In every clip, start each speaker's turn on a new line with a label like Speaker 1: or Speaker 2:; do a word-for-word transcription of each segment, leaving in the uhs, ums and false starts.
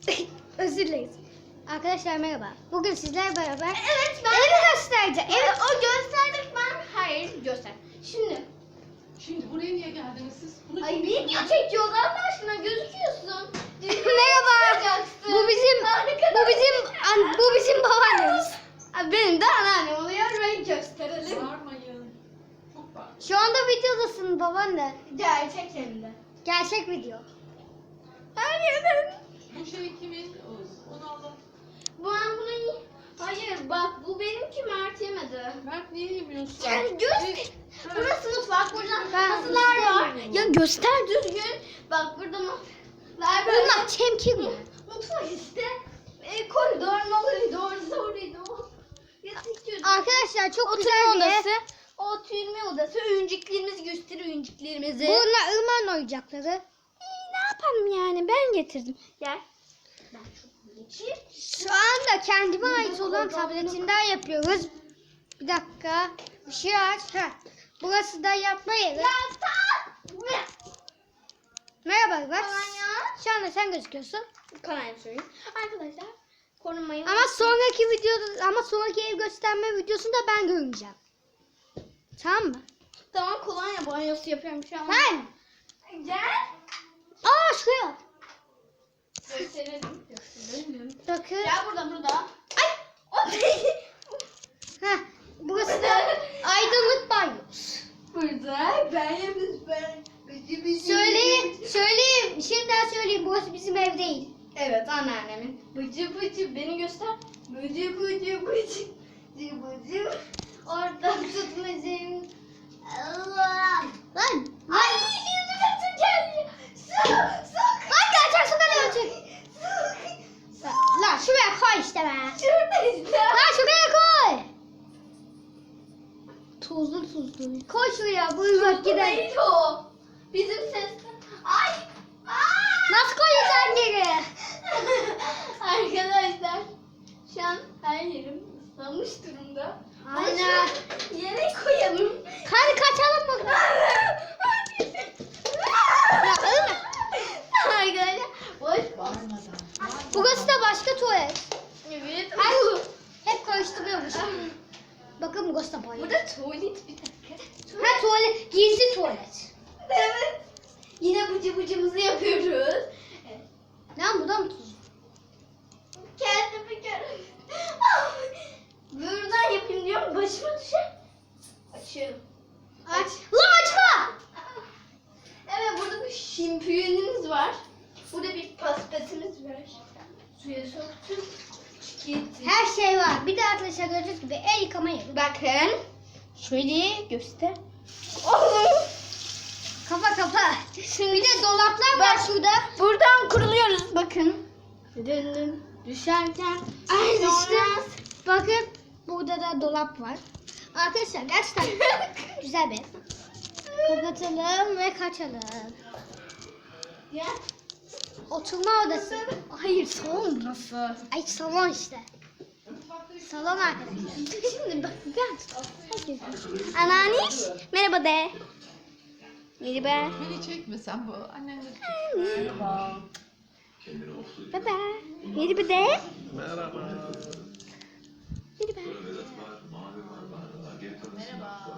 Speaker 1: Özür dileriz. Arkadaşlar merhaba. Bugün sizlerle beraber
Speaker 2: Evet ben
Speaker 1: evi göstereceğim.
Speaker 2: Evet
Speaker 1: Evet.
Speaker 2: o gösterdik ben. Hayır göster. Şimdi.
Speaker 3: Şimdi buraya niye geldiniz siz? Bunu
Speaker 2: Ay video çekiyoruz Allah aşkına gözüküyorsun.
Speaker 1: Merhaba. Bu bizim bu bizim an- bu bizim babaannemiz.
Speaker 2: Ay, benim de anneannem oluyor. Ben gösterelim.
Speaker 3: Bağırmayın. Çok bağır.
Speaker 1: Şu anda videodasın babaanne.
Speaker 2: Gerçek hem de.
Speaker 1: Gerçek video.
Speaker 2: Hayır.
Speaker 3: Bu şey kimin? Onu alın.
Speaker 2: Bu an bunu y- Hayır bak bu benimki Mert yemedi.
Speaker 3: Mert niye yemiyorsun?
Speaker 2: Yani göz. Burası mutfak. Burada
Speaker 1: Ben
Speaker 2: masalar var.
Speaker 1: istemiyorum.
Speaker 2: Ya göster düzgün. Bak burada masalar böyle.
Speaker 1: Bunlar çemkir mi?
Speaker 2: Mutfak işte. E, koridor, koridor, koridor. Yatak gözü.
Speaker 1: Arkadaşlar çok
Speaker 2: Oturma
Speaker 1: güzel bir ev.
Speaker 2: odası. Oturma odası. Oyuncaklarımızı göster oyuncaklarımızı.
Speaker 1: Bunlar ırmağın oyuncakları.
Speaker 2: İyi, ne yapalım yani ben getirdim. Gel. Ben çok geçeyim.
Speaker 1: Şu anda kendime ait olan tabletimden yapıyoruz. Bir dakika. Işığı aç. Heh. Burası da yapma yeri.
Speaker 2: Yatak.
Speaker 1: Merhaba bak.
Speaker 2: Kolonya.
Speaker 1: Şu anda sen gözüküyorsun.
Speaker 2: Kolonya söyleyeyim. Arkadaşlar korunmayı.
Speaker 1: Ama sonraki videoda ama sonraki ev gösterme videosunda ben görüneceğim. Tamam mı?
Speaker 2: Tamam kolonya banyosu yapıyorum şu an.
Speaker 1: Ben.
Speaker 2: Gel.
Speaker 1: Aa şuraya.
Speaker 2: Gösterelim. Gösterelim.
Speaker 1: Bakın.
Speaker 2: Gel burada burada. Ay. O değil.
Speaker 1: Heh. Burası da aydınlık banyosu.
Speaker 2: Burada ben yapıyoruz ben. Bizi bizi.
Speaker 1: Söyleyeyim, söyleyeyim. Şimdiden söyleyeyim. Burası bizim ev değil.
Speaker 2: Evet anneannemin. Bıcı bıcı beni göster. Bıcı bıcı bıcı. Bıcı bıcı. Oradan tutmacım. Allah.
Speaker 1: Lan.
Speaker 2: Ay yüzüme su geliyor. Su su.
Speaker 1: Lan gerçek su geliyor çık.
Speaker 2: Su.
Speaker 1: Lan şuraya koy işte be.
Speaker 2: Şurada işte.
Speaker 1: Lan şuraya koy.
Speaker 2: Tuzlu tuzlu.
Speaker 1: Koy şuraya. Buyurun gidelim.
Speaker 2: Değil o. Bizim ses. Ay. Aa!
Speaker 1: Nasıl koyacaksın geri?
Speaker 2: Arkadaşlar şu an her yerim ıslanmış durumda.
Speaker 1: Aynen.
Speaker 2: Ama şu yere koyalım.
Speaker 1: Hadi kaçalım bakalım. Ya ölme.
Speaker 2: Arkadaşlar boş
Speaker 3: Bağırmadan.
Speaker 1: Burası da başka tuvalet.
Speaker 2: Evet.
Speaker 1: Ay hep karıştırıyormuş. Bakın burası da banyo.
Speaker 2: Burada tuvalet bir dakika.
Speaker 1: Ha tuvalet. Gizli tuvalet.
Speaker 2: Evet. Yine bıcı bıcımızı yapıyoruz. Evet.
Speaker 1: Lan bu da mı tuz?
Speaker 2: Kendimi görüyorum. Buradan yapayım diyorum başıma düşer. Açıyorum.
Speaker 1: Aç. Lan açma.
Speaker 2: Evet burada bir şimpiyonumuz var. Burada bir paspasımız var. Suya soktum. Gitti.
Speaker 1: Her şey var. Bir de arkadaşlar gördüğünüz gibi el yıkama yeri.
Speaker 2: Bakın. Şöyle göster. Oh!
Speaker 1: Kafa kafa. Bir de dolaplar var şurada.
Speaker 2: Buradan kuruluyoruz bakın. Dön dön. Düşerken.
Speaker 1: Ay
Speaker 2: Sonra-
Speaker 1: işte. Bakın burada da dolap var. Arkadaşlar gerçekten güzel bir ev. Kapatalım ve kaçalım.
Speaker 2: Ya.
Speaker 1: Oturma odası. Hayır salon burası. Ay salon işte. Salon arkadaşlar.
Speaker 2: Şimdi bak ben. Anneanniş. Merhaba de. Merhaba.
Speaker 3: Beni çekme sen bu. Annen de
Speaker 2: Baba. Merhaba de.
Speaker 4: Merhaba.
Speaker 2: Merhaba.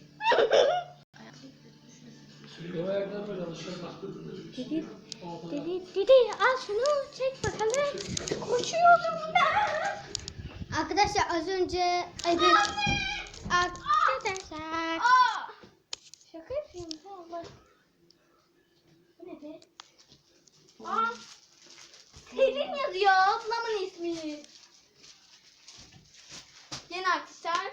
Speaker 1: Dedi, dedi, dedi al şunu çek bakalım.
Speaker 2: Koşuyordum ben.
Speaker 1: Arkadaşlar az önce ay bir arkadaşlar
Speaker 2: Aa! Şaka yapıyorum Allah. Bu ne be? Aa! Selin yazıyor ablamın ismini. Yeni arkadaşlar.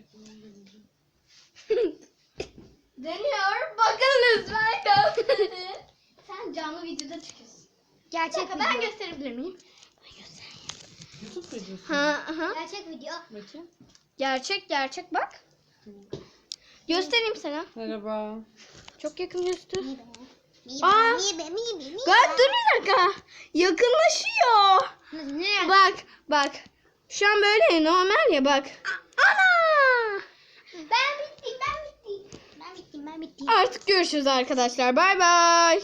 Speaker 2: Dönüyor. Bakın lütfen gösterin. Sen canlı videoda çıkıyorsun.
Speaker 1: gerçek
Speaker 2: Şaka ben
Speaker 1: video.
Speaker 2: gösterebilir miyim? Ben göstereyim.
Speaker 3: YouTube videosu.
Speaker 2: Ha, aha.
Speaker 1: Gerçek video.
Speaker 3: Bakayım.
Speaker 2: Gerçek gerçek bak. Göstereyim sana.
Speaker 3: Merhaba.
Speaker 2: Çok yakın göster.
Speaker 1: Mibe,
Speaker 2: Aa!
Speaker 1: mibe, mibe, mibe.
Speaker 2: Gel dur bir dakika. Yakınlaşıyor.
Speaker 1: Ne?
Speaker 2: Bak bak. Şu an böyle normal ya bak. Ana!
Speaker 1: Ben bittim, ben bittim. Ben bittim, ben bittim.
Speaker 2: Artık görüşürüz arkadaşlar. Bay bay.